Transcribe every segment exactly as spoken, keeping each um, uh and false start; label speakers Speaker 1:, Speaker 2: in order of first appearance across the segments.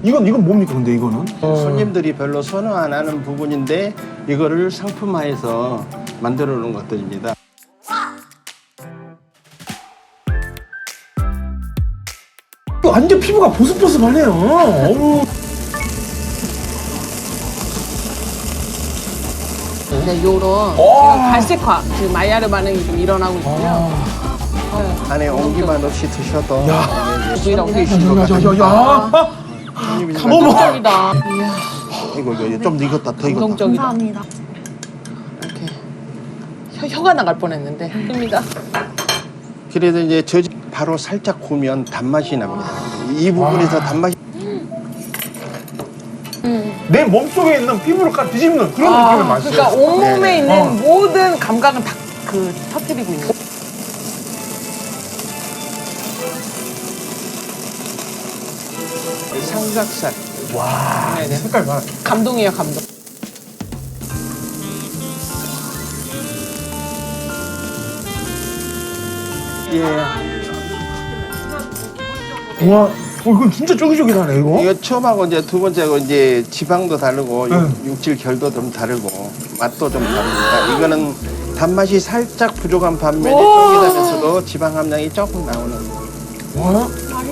Speaker 1: 이건 이건 뭡니까 근데 이거는?
Speaker 2: 손님들이 별로 선호 안 하는 부분인데 이거를 상품화해서 만들어 놓은 것들입니다.
Speaker 1: 완전 피부가 보슬보슬하네요. 어우.
Speaker 3: 네, 요런
Speaker 1: 와.
Speaker 3: 지금 갈색화, 지금 마이야르 반응이 좀 일어나고 있고요.
Speaker 2: 안에 온기만 없이 드셔도
Speaker 3: 부위라고
Speaker 1: 야야야야.
Speaker 3: 감동적이다. 이야,
Speaker 2: 이거 이거 좀 익었다 더 익었다.
Speaker 3: 감동적이다.
Speaker 4: 감사합니다.
Speaker 3: 이렇게 혀, 혀가 나갈 뻔했는데. 큽니다.
Speaker 2: 그래도 이제 저 바로 살짝 구우면 단맛이 납니다. 이 부분에서 단맛이
Speaker 1: 내 몸속에 있는 피부를 까 뒤집는 그런
Speaker 3: 아,
Speaker 1: 느낌의 맛이에요.
Speaker 3: 그러니까 온몸에
Speaker 2: 네네.
Speaker 3: 있는
Speaker 1: 어.
Speaker 3: 모든 감각은 다 그 터뜨리고 있는.
Speaker 2: 삼각살.
Speaker 1: 와.
Speaker 3: 네네.
Speaker 1: 색깔 봐.
Speaker 3: 감동이에요, 감동.
Speaker 2: 예.
Speaker 1: 와. 어, 이건 진짜 쫄깃쫄깃하네 이거.
Speaker 2: 이거 처음하고 이제 두 번째하고 이제 지방도 다르고
Speaker 1: 네.
Speaker 2: 육, 육질 결도 좀 다르고 맛도 좀 다릅니다. 이거는 단맛이 살짝 부족한 반면에 쫄깃하면서도 지방 함량이 조금 나오는.
Speaker 1: 와.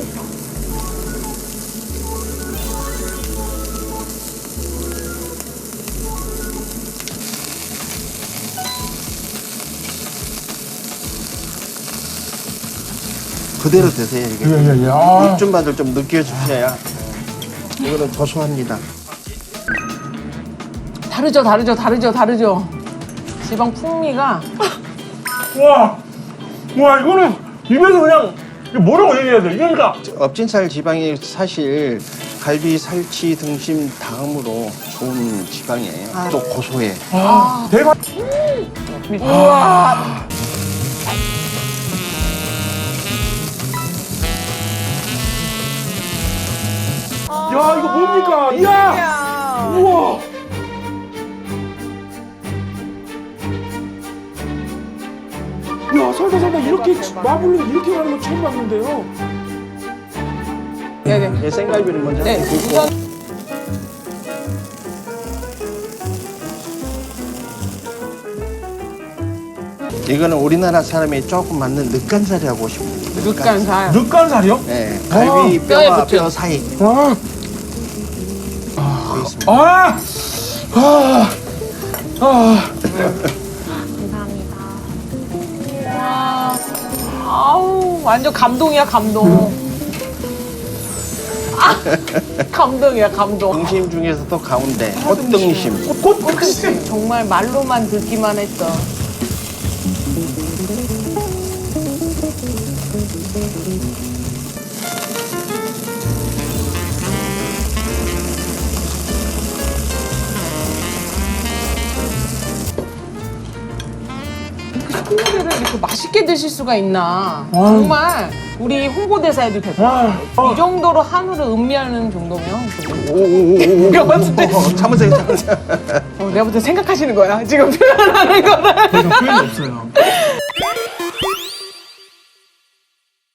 Speaker 2: 그대로 드세요 이게.
Speaker 1: 예예예. 아.
Speaker 2: 육즙 맛을 좀 느껴주셔야. 이거는 고소합니다.
Speaker 3: 다르죠, 다르죠, 다르죠, 다르죠. 지방 풍미가.
Speaker 1: 와. 와 이거는 입에서 그냥 이거 뭐라고 얘기해야 돼? 그러니까.
Speaker 2: 업진살 지방이 사실 갈비, 살치, 등심 다음으로 좋은 지방이에요. 또 고소해.
Speaker 1: 아. 대박.
Speaker 3: 우와.
Speaker 1: 야 이거 뭡니까? 이야. 우와. 야 살다 살다 이렇게 마블링 이렇게 가는 거 처음 봤는데요.
Speaker 3: 네네.
Speaker 2: 예, 생갈비를 먼저
Speaker 3: 네,
Speaker 2: 굽고
Speaker 3: 우선
Speaker 2: 이거는 우리나라 사람이 조금 맞는 늑간살이라고 보시면 됩니다.
Speaker 3: 육간살.
Speaker 1: 늑간살이요?
Speaker 2: 네, 갈비
Speaker 3: 어, 뼈에
Speaker 2: 뼈와
Speaker 3: 붙여.
Speaker 2: 뼈 사이
Speaker 1: 아.
Speaker 2: 보이십니다.
Speaker 1: 아. 아. 아.
Speaker 4: 감사합니다.
Speaker 3: 와. 아우, 완전 감동이야, 감동. 아, 감동이야, 감동.
Speaker 2: 등심 중에서도 가운데 꽃등심.
Speaker 1: 꽃등심.
Speaker 3: 정말 말로만 듣기만 했어. 식구들을 이렇게 맛있게 드실 수가 있나. 정말 우리 홍보대사 해도 될 것 같아.
Speaker 1: 아.
Speaker 3: 이 정도로 한우를 음미하는 정도면.
Speaker 2: 오오오오.
Speaker 3: 내가 봤을 때,
Speaker 2: 참으세요, 참으세요.
Speaker 3: 어, 내가 볼 때 생각하시는 거야. 지금 표현하는 거를.
Speaker 1: 더 이상 표현이 없어요.